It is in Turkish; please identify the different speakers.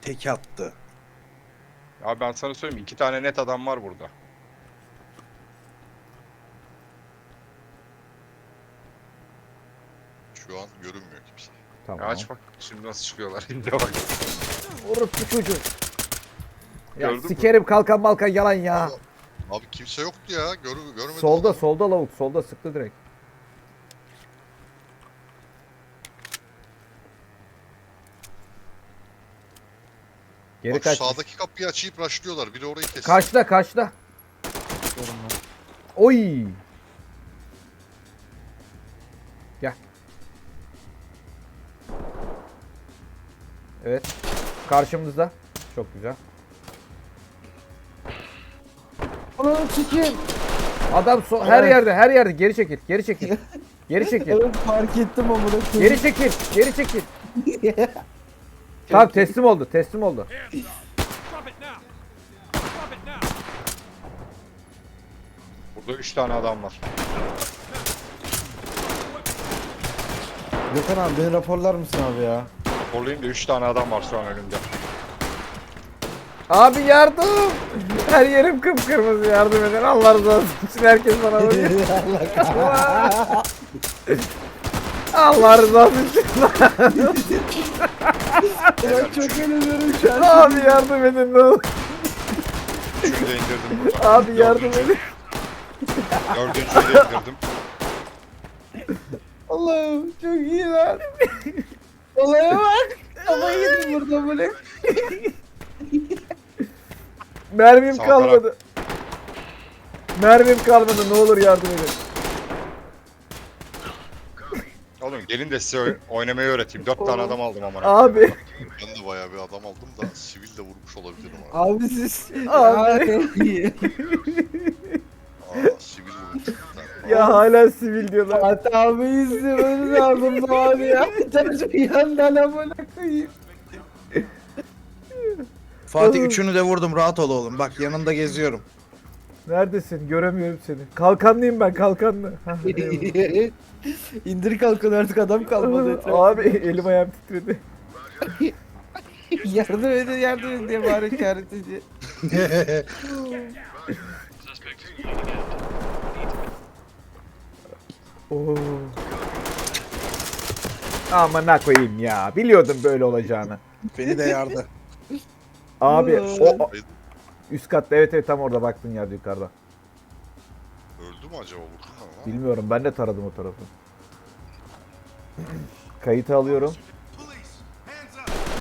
Speaker 1: tek attı.
Speaker 2: Abi ben sana söyleyeyim 2 tane net adam var burada.
Speaker 3: Şu an görünmüyor kimse.
Speaker 4: Tamam.
Speaker 2: Ya aç bak şimdi nasıl çıkıyorlar. Şimdi bak.
Speaker 4: Orospu çocuğu. Ya
Speaker 2: Gördün mü?
Speaker 4: sikerim kalkan balkan yalan ya.
Speaker 3: Abi kimse yoktu ya. Görmedim.
Speaker 4: Solda
Speaker 3: adamı.
Speaker 4: solda lavuk solda sıktı direkt. Geri
Speaker 3: Bak
Speaker 4: kaç.
Speaker 3: sağdaki kapıyı açıp rushlıyorlar. Biri orayı kesti.
Speaker 4: Kaçta kaçta. Oy. Gel. Evet. Karşımızda. Çok güzel.
Speaker 1: Onu sikeyim.
Speaker 4: Adam her
Speaker 1: Evet.
Speaker 4: yerde her yerde geri çekil geri çekil. Geri çekil.
Speaker 1: Evet fark ettim amına koyayım.
Speaker 4: Geri çekil. Geri çekil. Tamam teslim oldu. Teslim oldu.
Speaker 5: Drop it now. Drop it now.
Speaker 2: Burada 3 tane adam var.
Speaker 1: Gökhan abi beni raporlar mısın abi ya?
Speaker 2: Raporlayayım da 3 tane adam var şu an önümde.
Speaker 4: Abi yardım. Her yerim kıpkırmızı yardım edin. Allah razı olsun. Herkes bana bakıyor. Allah razı olsun.
Speaker 1: Ben çok eğleniyorum şu an.
Speaker 4: Abi yardım edin ne olur.
Speaker 2: Üçünü de indirdim burada.
Speaker 4: Abi yardım edin.
Speaker 2: Dördüncüyü de indirdim.
Speaker 1: Allah'ım çok iyi lan. Olaya bak. Ama yedim burada böyle.
Speaker 4: Mermim
Speaker 2: Sağ
Speaker 4: kalmadı. Mermim kalmadı. Ne olur yardım edin.
Speaker 2: Oğlum gelin de size oynamayı öğreteyim. 4 tane adam aldım ama.
Speaker 4: Abi.
Speaker 3: Ben de bayağı bir adam aldım da sivil de vurmuş olabilirim abi.
Speaker 1: Abi siz.
Speaker 4: Abi.
Speaker 3: Sivil vurmuş. bir tane.
Speaker 4: Ya hala sivil diyorlar.
Speaker 1: Fatih abi izlemeniz lazım bu abi ya. Bir yandan amına koyayım.
Speaker 6: Fatih üçünü de vurdum, rahat ol oğlum. Bak yanında geziyorum.
Speaker 4: Neredesin? Göremiyorum seni. Kalkanlıyım ben kalkanlı. Hah, eyvallah.
Speaker 1: İndir kalkın artık adam kalmadı etrafta.
Speaker 4: Abi elim ayağım titredi.
Speaker 1: yardım edin diye bari işaret ediyor.
Speaker 4: Oo. Amına koyayım ya. Biliyordum böyle olacağını.
Speaker 6: Beni de yardı.
Speaker 4: Abi o
Speaker 3: Hayır,
Speaker 4: üst katta evet tam orada baktın yerde yukarıda.
Speaker 3: öldü mü acaba vurdun ama?
Speaker 4: Bilmiyorum ben de taradım o tarafı. Kayıtı alıyorum.